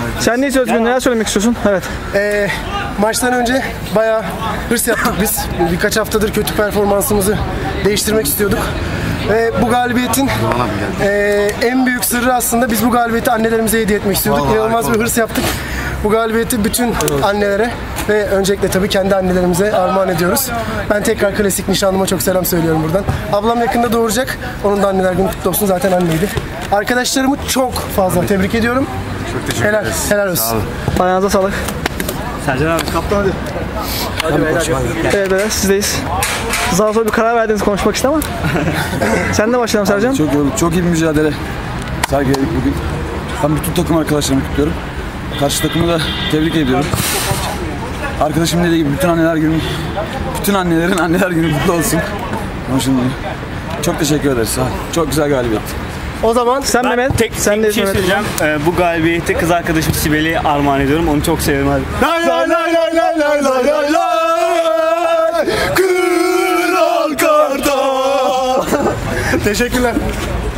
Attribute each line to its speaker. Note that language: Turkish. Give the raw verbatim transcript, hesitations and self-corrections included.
Speaker 1: Sen ne istiyorsun? Neler söylemek istiyorsun? Evet.
Speaker 2: Ee, maçtan önce bayağı hırs yaptık biz. Birkaç haftadır kötü performansımızı değiştirmek istiyorduk. Ve bu galibiyetin e, en büyük sırrı aslında biz bu galibiyeti annelerimize hediye etmek istiyorduk.
Speaker 3: Vallahi
Speaker 2: İnanılmaz bir hırs yaptık. Bu galibiyeti bütün annelere ve öncelikle tabii kendi annelerimize armağan ediyoruz. Ben tekrar klasik nişanlıma çok selam söylüyorum buradan. Ablam yakında doğuracak. Onun da anneler günü kutlu olsun. Zaten anneydi. Arkadaşlarımı çok fazla tebrik ediyorum.
Speaker 3: Çok teşekkür
Speaker 2: Helal,
Speaker 3: ederiz.
Speaker 2: helal olsun.
Speaker 1: Ayağınıza sağlık.
Speaker 4: Sercan abi kaptan hadi.
Speaker 1: Hadi beyler. Evet beyler sizdeyiz. Daha sonra bir karar verdiniz konuşmak için ama. Sen de başlayalım Sercan.
Speaker 5: Çok yorulduk. Çok iyi bir mücadele sergiledik bugün. Ben bütün takım arkadaşlarımı kutluyorum. Karşı takımı da tebrik ediyorum. Arkadaşım dediği gibi bütün anneler günü, bütün annelerin anneler günü mutlu olsun. Ama şimdi çok teşekkür ederiz. Sağ ol. Çok güzel galibiyet.
Speaker 2: O zaman
Speaker 1: Sen Mehmet.
Speaker 4: Tek,
Speaker 1: Sen
Speaker 4: tek
Speaker 1: de
Speaker 4: bir şey
Speaker 1: Mehmet.
Speaker 4: söyleyeceğim. Ee, bu galibiyeti kız arkadaşım Sibel'e armağan ediyorum. Onu çok seviyorum hadi.
Speaker 3: Lay lay lay lay lay lay lay lay lay. Kral karda.
Speaker 2: teşekkürler.